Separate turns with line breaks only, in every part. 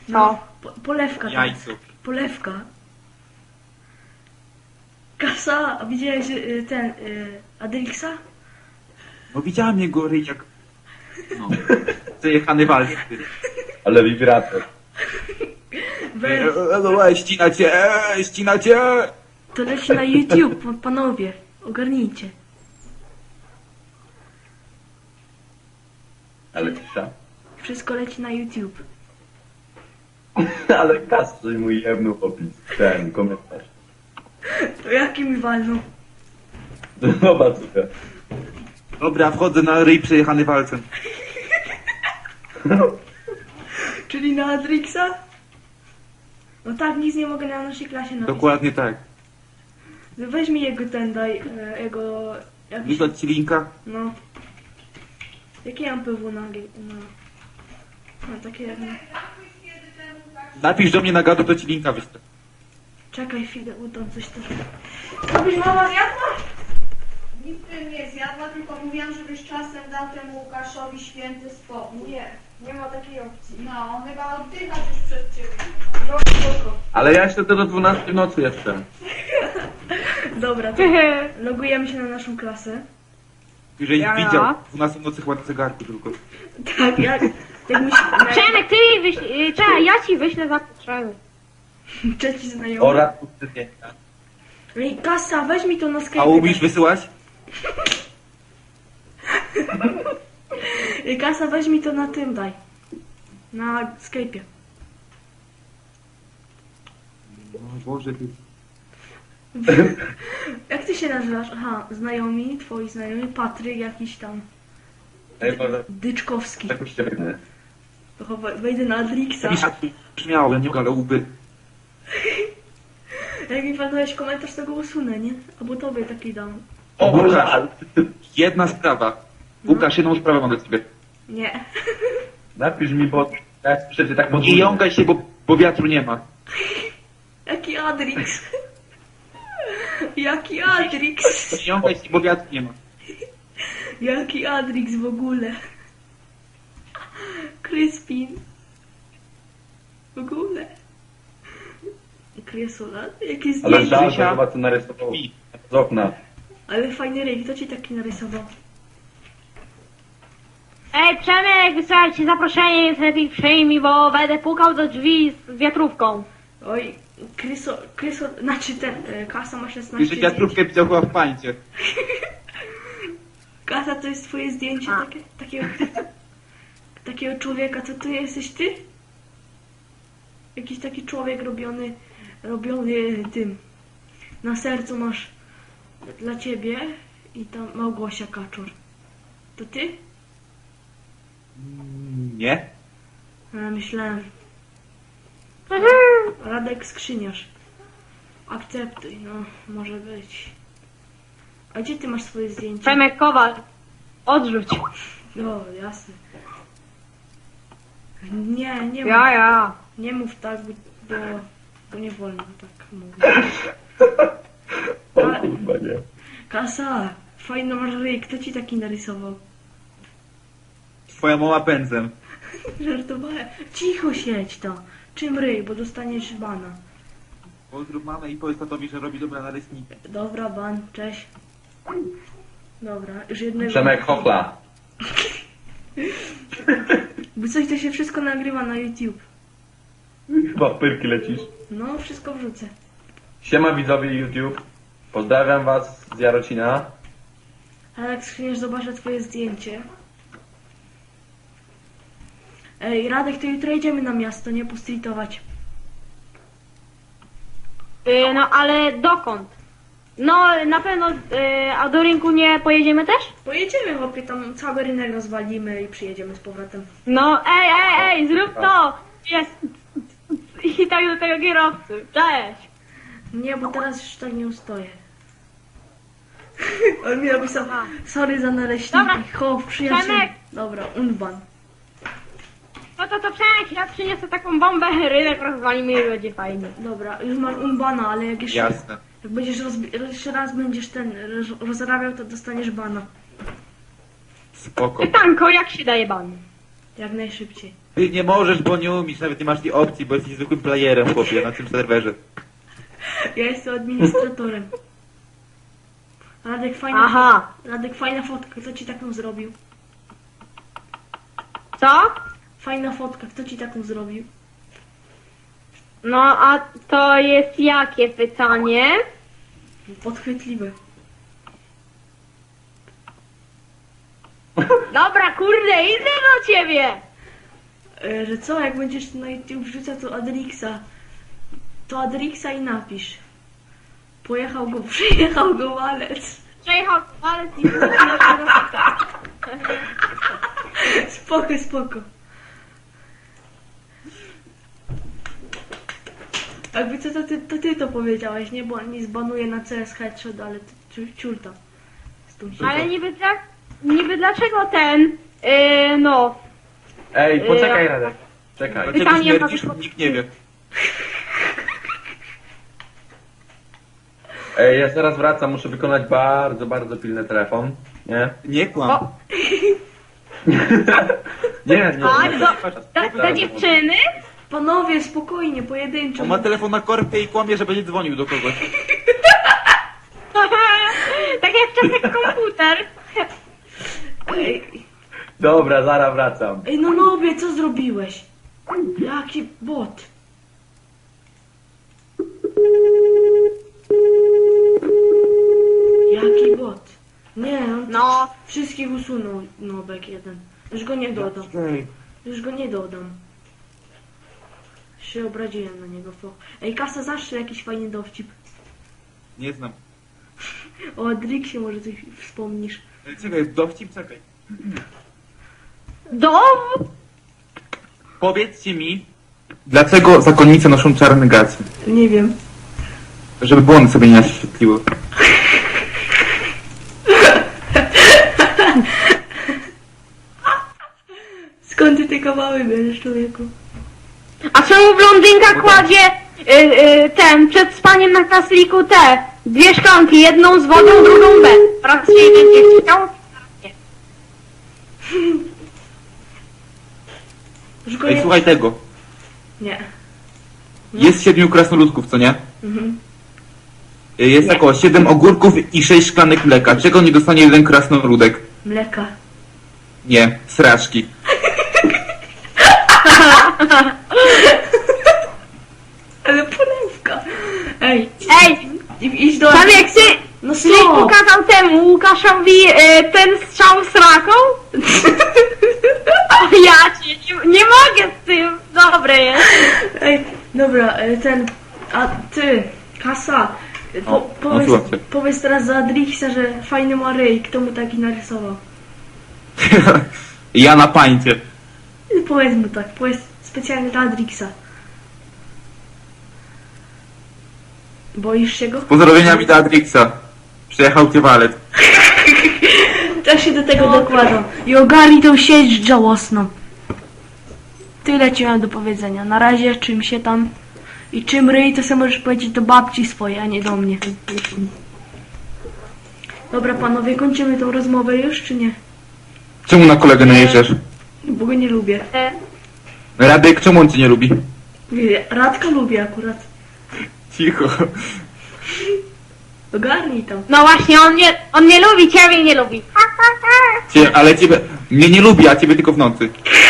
No,
polewka.
Jajco.
Polewka. Kasa, a widziałeś Adrixa?
No widziałem jego ryj jak... No. Przejechany walczy.
Ale wibrator.
Weź,
Ścina cię!
to leci na YouTube, panowie. Ogarnijcie.
Ale cisza.
Wszystko leci na YouTube.
Ale Kasy mój jebnął opis. Ten komentarz.
To jaki mi walną?
Zobacz sobie.
Dobra, wchodzę na ryj przejechany walcem.
Czyli na Adrixa? No tak, nic nie mogę na naszej klasie napisać.
Dokładnie tak.
Weź mi jego daj, jego... Jakiś,
Wysłać ci linka?
no. Jakie mam PW na... No takie jak...
Napisz do mnie na gadu, to ci linka wyślę.
Czekaj chwilę, bo tam coś tam... Co byś mama zjadła?
Nic bym nie zjadła, tylko mówiłam, żebyś czasem dał temu Łukaszowi święty spokój.
Nie ma takiej opcji.
No, on chyba oddychać już przed ciebie.
No spoko.
Ale ja jeszcze do 12 w nocy jeszcze.
Dobra, to logujemy się na naszą klasę.
Jeżeli
Ja.
widział, 12 nocy chyba na zegarku tylko.
Tak, jak musi...
Przemek, ty mi wyślij, czekaj, ja ci wyślę za potrzeby.
Trzeci znajomy.
Oraz zdjęcia.
Ej, Kasa, weź mi to na Skype.
A umiesz wysyłać?
Ej, Kasa, weź mi to na tym daj. Na Skype'ie.
O Boże, ty...
Jak ty się nazywasz? Aha, znajomi, twoi znajomi, Patryk jakiś tam.
Ej, może
Dyczkowski.
jakoś się wygnę.
To chyba wejdę na Adrixa.
Brzmiałem, nie ale łby.
Jak mi pan dałeś komentarz, to go usunę, nie? Albo tobie taki dam.
O
Łukasz.
Boże, ale...
Jedna sprawa. Łukasz, jedną sprawę mam do ciebie.
Nie.
Napisz mi, bo ja przecież tak
Nie
podwójnie.
jąkaj się, bo wiatru nie ma.
Jaki Adrix? Jaki Adrix?
Nie jąkaj się, bo wiatru nie ma.
Jaki Adrix w ogóle? Crispin. W ogóle. Kresola? Jakie
Ale
zdjęcie.
żal, że
Zysia.
chyba co narysował
Pi.
z okna.
Ale fajny ryj, kto ci taki narysował?
Ej, Przemek, wysłałem ci zaproszenie, więc lepiej przyjmij, bo będę pukał do drzwi z wiatrówką.
Oj, znaczy ten, Kasa ma 16
Już wiatrówkę widział chyba w pańcie.
Kasa, to jest twoje zdjęcie
A.
takiego człowieka, to jesteś ty? Jakiś taki człowiek robiony tym. Na sercu masz dla ciebie i tam Małgosia Kaczor. To ty?
Nie?
Myślałem. Radek Skrzyniarz. Akceptuj, no, może być. A gdzie ty masz swoje zdjęcie?
Przemek Kowal, odrzuć.
No, jasne. Nie mów,
Ja.
nie mów tak, bo nie wolno tak mówić.
O kurwa, nie.
Kasa, fajny masz ryj, kto ci taki narysował?
Twoja mama pędzem.
Żartowałem. Cicho siedź to. Czym ryj, bo dostaniesz bana.
Pozdrów mamę i powiedz tatowi, że robi dobra na rysnika.
Dobra, ban, cześć. Dobra, już jednego.
Przemek Hochla.
Bo coś to się wszystko nagrywa na YouTube.
Chyba w pyrki lecisz.
No, wszystko wrzucę.
Siema widzowie YouTube. Pozdrawiam was z Jarocina.
Ale jak skrzyniesz, zobaczę twoje zdjęcie. Ej, Radek, to jutro jedziemy na miasto, nie postreetować.
No ale dokąd? No na pewno, a do rynku nie pojedziemy też?
Pojedziemy, chłopie, tam cały rynek rozwalimy i przyjedziemy z powrotem.
No ej, zrób to! Jest. I tak do tego kierowcy. Cześć!
Nie, bo teraz już tak nie ustoję. On mi napisał, sorry za naleśniki,
Dobra,
hop, przyjaciół.
Przemek.
Dobra, unban.
No to Przemek, ja przyniosę taką bombę, rynek rozwalimy i będzie fajnie.
Dobra, już masz unbana, ale jak jeszcze,
Jasne.
jak będziesz jeszcze raz będziesz rozrabiał, to dostaniesz bana.
Spoko.
Pytanko, jak się daje ban?
Jak najszybciej.
Ty nie możesz, bo nie umiesz, nawet nie masz tej opcji, bo jesteś zwykłym playerem, chłopie, na tym serwerze.
Ja jestem administratorem.
Aha.
Radek, fajna fotka. Kto ci taką zrobił?
Co?
Fajna fotka. Kto ci taką zrobił?
No a to jest jakie pytanie?
Podchwytliwe.
Dobra, kurde, idę do ciebie!
Że co, jak będziesz na YouTube wrzucał to Adrixa i napisz. Przyjechał go walec.
Przejechał walec i wrócił na kierownika.
Spoko. Jakby co, to ty to powiedziałeś, nie? Bo nie zbanuję na CS headshot, ale ciurta. Z tą siłą.
Ale niby dlaczego ten, no,
Ej, poczekaj Radek. Czekaj.
Dlaczego
Pytanie
śmierdzisz?
padło-
Nikt nie wie.
Ej, ja zaraz wracam, muszę wykonać bardzo, bardzo pilny telefon. Nie?
Nie kłam.
O.
Nie.
Tak, do dziewczyny?
Panowie, spokojnie, pojedynczo.
On ma telefon na korpie i kłamie, że będzie dzwonił do kogoś.
Tak jak w czasach komputer.
Dobra, zaraz wracam.
Ej, no Nobie, co zrobiłeś? Jaki bot? Jaki bot? Nie, on
No,
wszystkich usunął Nobek jeden. Już go nie dodam. Już go nie dodam. Się obraziłem na niego. Ej, Kasa, zawsze jakiś fajny dowcip.
Nie znam.
O Adrixie może coś wspomnisz.
Czekaj, dowcip, czekaj. Powiedzcie mi, dlaczego zakonnice noszą czarny gaz?
Nie wiem.
Żeby błąd sobie nie naświetliło.
Skąd ty te kawały bierzesz, człowieku?
a czemu blondynka kładzie przed spaniem na kasliku dwie szklanki, jedną z wodą, drugą bez. Raz się będzie chciał.
Już go
Ej,
nie...
słuchaj tego.
Nie.
Jest 7 krasnoludków, co nie?
Mhm.
Jest około 7 ogórków i 6 szklanek mleka. Czego nie dostanie jeden krasnoludek?
Mleka.
Nie, sraczki.
Ale polewka. Ej,
Ej,
idź do...
tam jak ty
No
Ty
stop!
pokazał temu Łukaszowi ten strzał z raką? O, ja cię nie mogę z tym. Dobre jest.
Ej, dobra, a ty, Kasa, powiedz,
słucham cię.
powiedz teraz za Adrixa, że fajny ma ryj, kto mu taki narysował?
Ja na pańcie.
Powiedz mu tak, powiedz specjalnie dla Adrixa. Boisz się go?
Pozdrowieniami dla Adrixa. Przyjechał cię walet.
Też się do tego dokładam. I ogarnij tą sieć żałosną. Tyle ci mam do powiedzenia. Na razie czym się tam... I czym ryj, to sobie możesz powiedzieć do babci swojej, a nie do mnie. Dobra panowie, kończymy tą rozmowę już, czy nie?
Czemu na kolegę najeżdżasz?
Bo go nie lubię.
Radek, czemu on cię nie lubi?
Radka lubię akurat.
Cicho.
Ogarnij tam.
No właśnie, on nie lubi, ciebie nie lubi.
Ale ciebie... Mnie nie lubi, a ciebie tylko w nocy.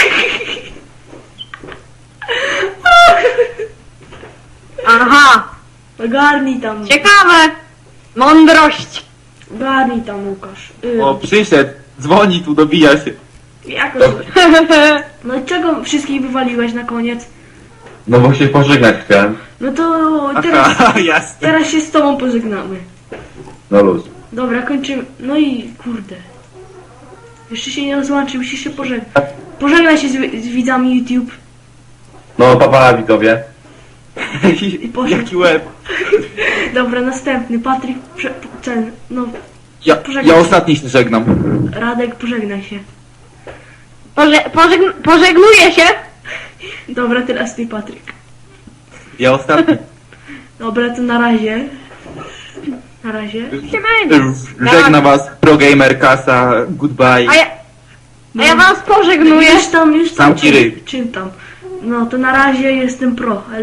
Aha,
Ogarnij tam.
ciekawe. Mądrość.
Ogarnij tam, Łukasz.
O, przyszedł. Dzwoni tu, dobija się.
Jakoś... No i czego wszystkich wywaliłeś na koniec?
No bo się pożegnać chciałem.
No to teraz,
Aha, jasne.
teraz się z tobą pożegnamy.
No luz.
Dobra, kończymy. No i kurde. Jeszcze się nie rozłączy, musisz się pożegnać. Pożegnaj się z widzami YouTube.
No papa widzowie.
poszedł.
Jaki łeb.
Dobra, następny. Patryk, no,
Ja ostatni się żegnam.
Radek, pożegnaj się.
Pożegnuję się.
Dobra, teraz ty, Patryk.
Ja ostatni.
Dobra, to na razie. Na razie.
Się będzie.
Żegnam was, ProGamer, Kasa, goodbye.
A ja was pożegnuję.
Już tam
Zamknij ryj.
czym tam. No to na razie jestem pro.